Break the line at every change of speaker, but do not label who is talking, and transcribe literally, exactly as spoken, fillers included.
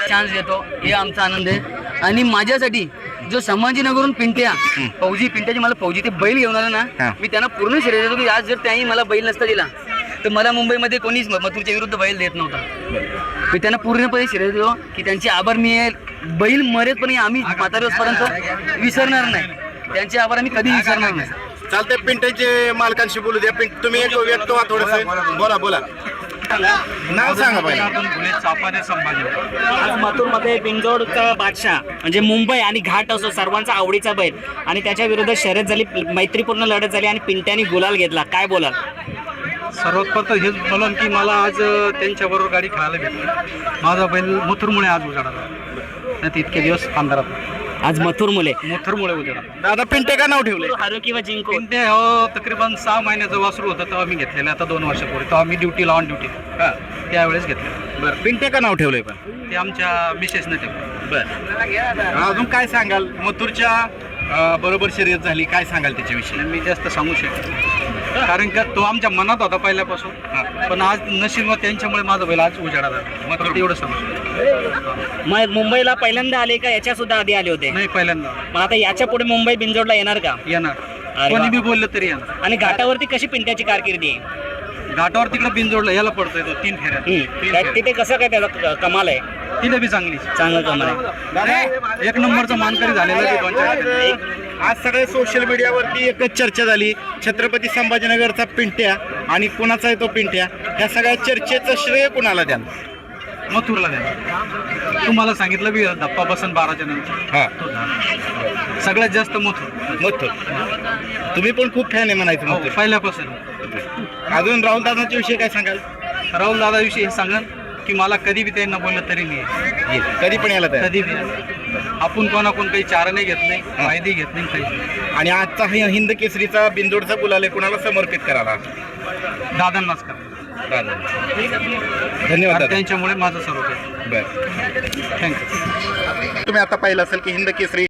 Chance देतो हे आमचा आनंद आहे। आणि माझ्यासाठी जो संभाजीनगरहून पिंट्या फौजी पिंट्याची मला फौजी ते बैल घेऊन आला ना, मी त्यांना पूर्ण श्रेय देतो की आज जर त्यांनी मला बैल नसता दिला तर मला मुंबईमध्ये कोणीच मथुरच्या विरुद्ध बैल देत नव्हता। मी त्यांना पूर्णपणे श्रेय देतो की त्यांचे आभार मी बैल मरेपर्यंत आम्ही म्हाताऱ्यापर्यंत विसरणार नाही, त्यांचे आभार आम्ही कधी विसरणार नाही।
चालतंय, पिंट्याचे मालकांशी बोलू द्या। पिंट तुम्ही एक व्यक्त व्हा थोडंसं, बोला बोला नाव सांगा पाहिजे।
आज मथुरमध्ये बिंजोडचा बादशाह म्हणजे मुंबई आणि घाट असो सर्वांचा आवडीचा बैल आणि त्याच्या विरुद्ध शर्यत झाली, मैत्रीपूर्ण लढत झाली आणि पिंट्याने गुलाल घेतला, काय बोलाल?
सर्वात प्रथम हेच बोलन की मला आज त्यांच्याबरोबर गाडी खेळायला भेटली। माझा बैल मथुरमुळे आज उजाडाला, नाही तर इतके दिवस अंधारात।
आज मथुर मुले
मथुरमुळे उजाडाला।
दादा पिंटे का नाव ठेवले?
हारो किंवा जिंको
पिंटे हो तकरीबन सहा महिन्याचं वासरू होतं तेव्हा मी घेतलेलं, आता दोन वर्षापूर्वी तेव्हा मी ड्युटीला ऑन ड्युटी त्यावेळेस घेतलेलं।
बरं, पिंटे का नाव ठेवलंय पण?
ते आमच्या मिसेसने ठेवलं।
बरं, अजून काय सांगाल? मथुरच्या अं, बरोबर शर्यत झाली, काय सांगाल त्याच्याविषयी?
मी जास्त सांगू शकतो कारण का तो आमच्या मनात होता पहिल्यापासून, पण आज नशीब त्यांच्यामुळे माझा बैल आज उजाडा झाला, मग एवढं सांगू शकतो।
मग मुंबईला पहिल्यांदा आले का याच्या सुद्धा आधी आले होते?
नाही, पहिल्यांदा
मग आता याच्या पुढे मुंबई बिंजोडला येणार का?
येणार,
अरे
कोणी
वा.
बी बोललं तरी येणार।
आणि घाटावरती कशी पिंट्याची कारकिर्दी आहे?
घाटावर तिकडे बिनजोडला याला पडतोय तो तीन फेऱ्या तीन
त्या-
फेऱ्या.
तिथे कसं काय त्याचा क- कमाल आहे?
तिथे बी चांगली
चांगलं कमाल आहे.
दादा,
एक नंबरचा मानकरी झालेला आहे दोन चार ठिकाणी.
आज सगळे सोशल मीडियावरती एकच चर्चा झाली, छत्रपती संभाजीनगरचा पिंट्या आणि कुणाचा आहे तो पिंट्या, ह्या सगळ्या चर्चेचं श्रेय कुणाला द्याल?
मथुरला द्या। तुम्हाला सांगितलं बी धप्पा बसन बाराच्या नंतर
हा,
तो झाला। सगळ्यात जास्त मथुर
मथुर। तुम्ही पण खूप फॅन आहे म्हणायचं
हो,
मथुर।
पहिल्यापासून।
अजून राहुल दादांच्या विषयी काय सांगाल?
राहुल दादाविषयी हे सांगा की मला कधी बी त्यांना बोललं तरी नाही,
येईल, कधी पण यायला तयार।
कधी बी आपण कोणाकोण काही चारणे घेत नाही, फायदे घेत नाही काही।
आणि आजचा हा हिंद केसरीचा बिंदोडचा गुलाल आहे, कुणाला समर्पित करायला?
दादांनाच करा,
दादा, धन्यवाद दादा।
त्यांच्यामुळे माझं सर्व काही।
बरं,
थँक्यू।
तुम्ही आता पाहिलं असेल की हिंद केसरी